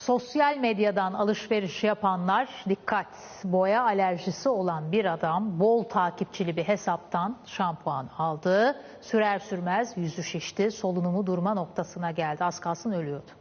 Sosyal medyadan alışveriş yapanlar dikkat. Boya alerjisi olan bir adam bol takipçili bir hesaptan şampuan aldı. Sürer sürmez yüzü şişti, solunumu durma noktasına geldi. Az kalsın ölüyordu.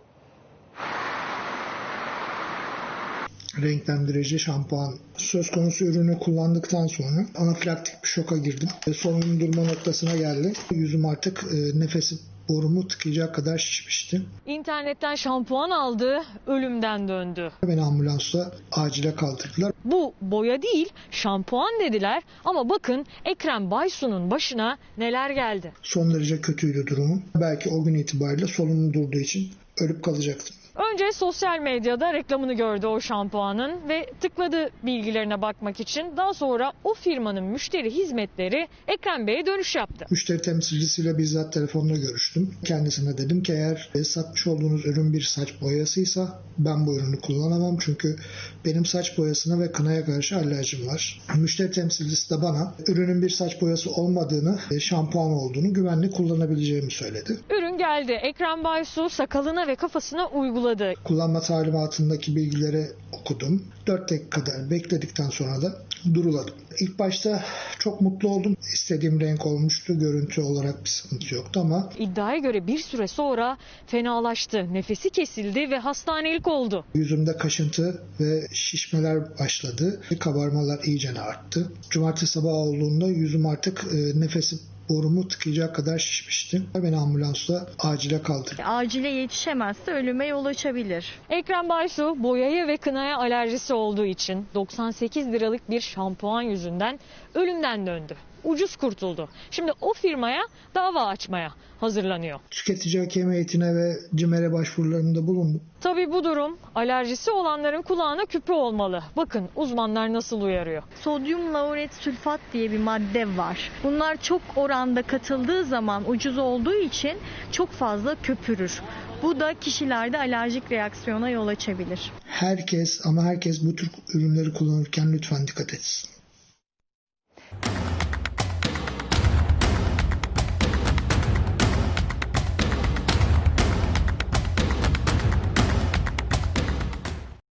Renklendirici şampuan. Söz konusu ürünü kullandıktan sonra anafilaktik bir şoka girdim. Solunum durma noktasına geldi. Yüzüm artık nefesi borumu tıkayacak kadar şişmişti. İnternetten şampuan aldı, ölümden döndü. Beni ambulansla acile kaldırdılar. Bu boya değil, şampuan dediler ama bakın Ekrem Baysu'nun başına neler geldi. Son derece kötüydü durumum. Belki o gün itibariyle solunum durduğu için ölüp kalacaktım. Önce sosyal medyada reklamını gördü o şampuanın ve tıkladı bilgilerine bakmak için. Daha sonra o firmanın müşteri hizmetleri Ekrem Bey'e dönüş yaptı. Müşteri temsilcisiyle bizzat telefonla görüştüm. Kendisine dedim ki eğer satmış olduğunuz ürün bir saç boyasıysa ben bu ürünü kullanamam. Çünkü benim saç boyasına ve kınaya karşı alerjim var. Müşteri temsilcisi de bana ürünün bir saç boyası olmadığını, şampuan olduğunu, güvenli kullanabileceğimi söyledi. Ürün geldi. Ekrem Baysu sakalına ve kafasına uyguladı. Kullanma talimatındaki bilgileri okudum. 4 dakika kadar bekledikten sonra da duruladım. İlk başta çok mutlu oldum. İstediğim renk olmuştu. Görüntü olarak bir sıkıntı yoktu ama İddiaya göre bir süre sonra fenalaştı. Nefesi kesildi ve hastanelik oldu. yüzümde kaşıntı ve şişmeler başladı. Kabarmalar iyicene arttı. Cumartesi sabahı olduğunda yüzüm artık nefesi borumu tıkayacak kadar şişmişti. Beni ambulansla acile kaldırdı. Acile yetişemezse ölüme yol açabilir. Ekrem Baysu boyaya ve kınaya alerjisi olduğu için 98 liralık bir şampuan yüzünden ölümden döndü. Ucuz kurtuldu. Şimdi o firmaya dava açmaya hazırlanıyor. Tüketici hakem heyetine ve CİMER'e başvurularında bulundum. Tabii bu durum alerjisi olanların kulağına küpe olmalı. Bakın uzmanlar nasıl uyarıyor. Sodyum lauret sülfat diye bir madde var. Bunlar çok oranda katıldığı zaman ucuz olduğu için çok fazla köpürür. Bu da kişilerde alerjik reaksiyona yol açabilir. Herkes bu tür ürünleri kullanırken lütfen dikkat etsin.